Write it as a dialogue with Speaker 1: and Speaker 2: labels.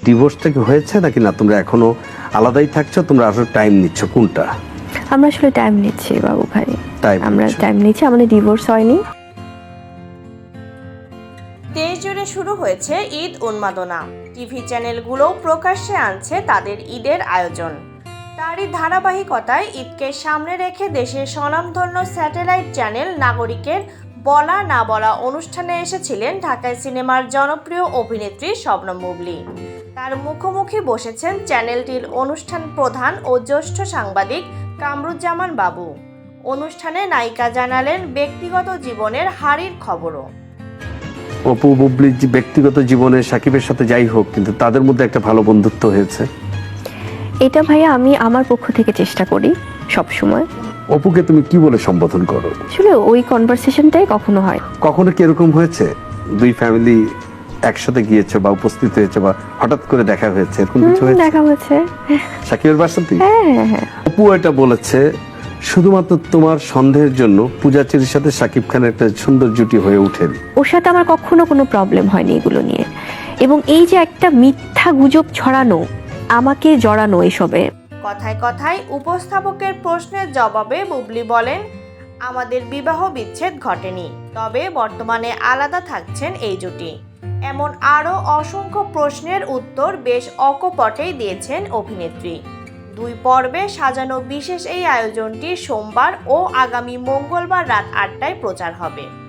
Speaker 1: ডিভোর্সটা কি হয়েছে নাকি না তোমরা এখনো আলাদাই থাকছো, তোমরা আসলে টাইম নিচ্ছ কোনটা?
Speaker 2: আমরা আসলে টাইম নিচ্ছি বাবু ভাই, আমরা
Speaker 1: নিচ্ছ।
Speaker 2: টাইম নিচ্ছি, আমাদের ডিভোর্স হয়নি।
Speaker 3: দেশ জুড়ে শুরু হয়েছে ঈদ উন্মাদনা। টিভি চ্যানেলগুলোও প্রকাশ্যে আনছে তাদের ঈদের আয়োজন। তারই ধারাবাহিকতায় ঈদকে সামনে রেখে দেশের স্বনামধন্য স্যাটেলাইট চ্যানেল নাগরিকের বলা না বলা অনুষ্ঠানে এসেছিলেন ঢাকায় সিনেমার জনপ্রিয় অভিনেত্রী শবনম বুবলী। তার মুখোমুখি বসেছেন চ্যানেলটির অনুষ্ঠান প্রধান ও জ্যেষ্ঠ সাংবাদিক কামরুজ্জামান বাবু। অনুষ্ঠানে নায়িকা জানালেন ব্যক্তিগত জীবনের হারির খবরও।
Speaker 1: অপু বুবলির যে ব্যক্তিগত জীবনে সাকিবের সাথে যাই হোক, কিন্তু তাদের মধ্যে একটা ভালো বন্ধুত্ব হয়েছে।
Speaker 2: এটা ভাইয়া আমি আমার পক্ষ থেকে চেষ্টা করি সব সময়।
Speaker 1: অপুকে তুমি কি বলে সম্বোধন করো?
Speaker 2: আসলে ওই কনভারসেশনটাই কখনো হয়।
Speaker 1: কখনো কি এরকম হয়েছে দুই ফ্যামিলি একসাথে গিয়েছে বা উপস্থিত হয়েছে বা হঠাৎ করে দেখা হয়েছে, এরকম কিছু হয়েছে?
Speaker 2: দেখা হয়েছে।
Speaker 1: সাকিবের বাসাতে
Speaker 2: হ্যাঁ।
Speaker 1: অপু এটা বলেছে শুধুমাত্র তোমার সন্দেহের জন্য পূজাচেরির সাথে সাকিব খানের একটা সুন্দর জুটি হয়ে ওঠেন।
Speaker 2: ওর সাথে আমার কখনো কোনো প্রবলেম হয়নি এগুলো নিয়ে। এবং এই যে একটা মিথ্যা গুজব ছড়ানো, আমাকে জড়ানো এসবে।
Speaker 3: কথায় কথায় উপস্থাপকের প্রশ্নের জবাবে বুবলী বলেন, আমাদের বিবাহ বিচ্ছেদ ঘটেনি, তবে বর্তমানে আলাদা থাকছেন এই জুটি। এমন আরও অসংখ্য প্রশ্নের উত্তর বেশ অকপটেই দিয়েছেন অভিনেত্রী। 2 পর্বে সাজানো বিশেষ এই আয়োজনটি সোমবার ও আগামী মঙ্গলবার রাত 8টায় প্রচার হবে।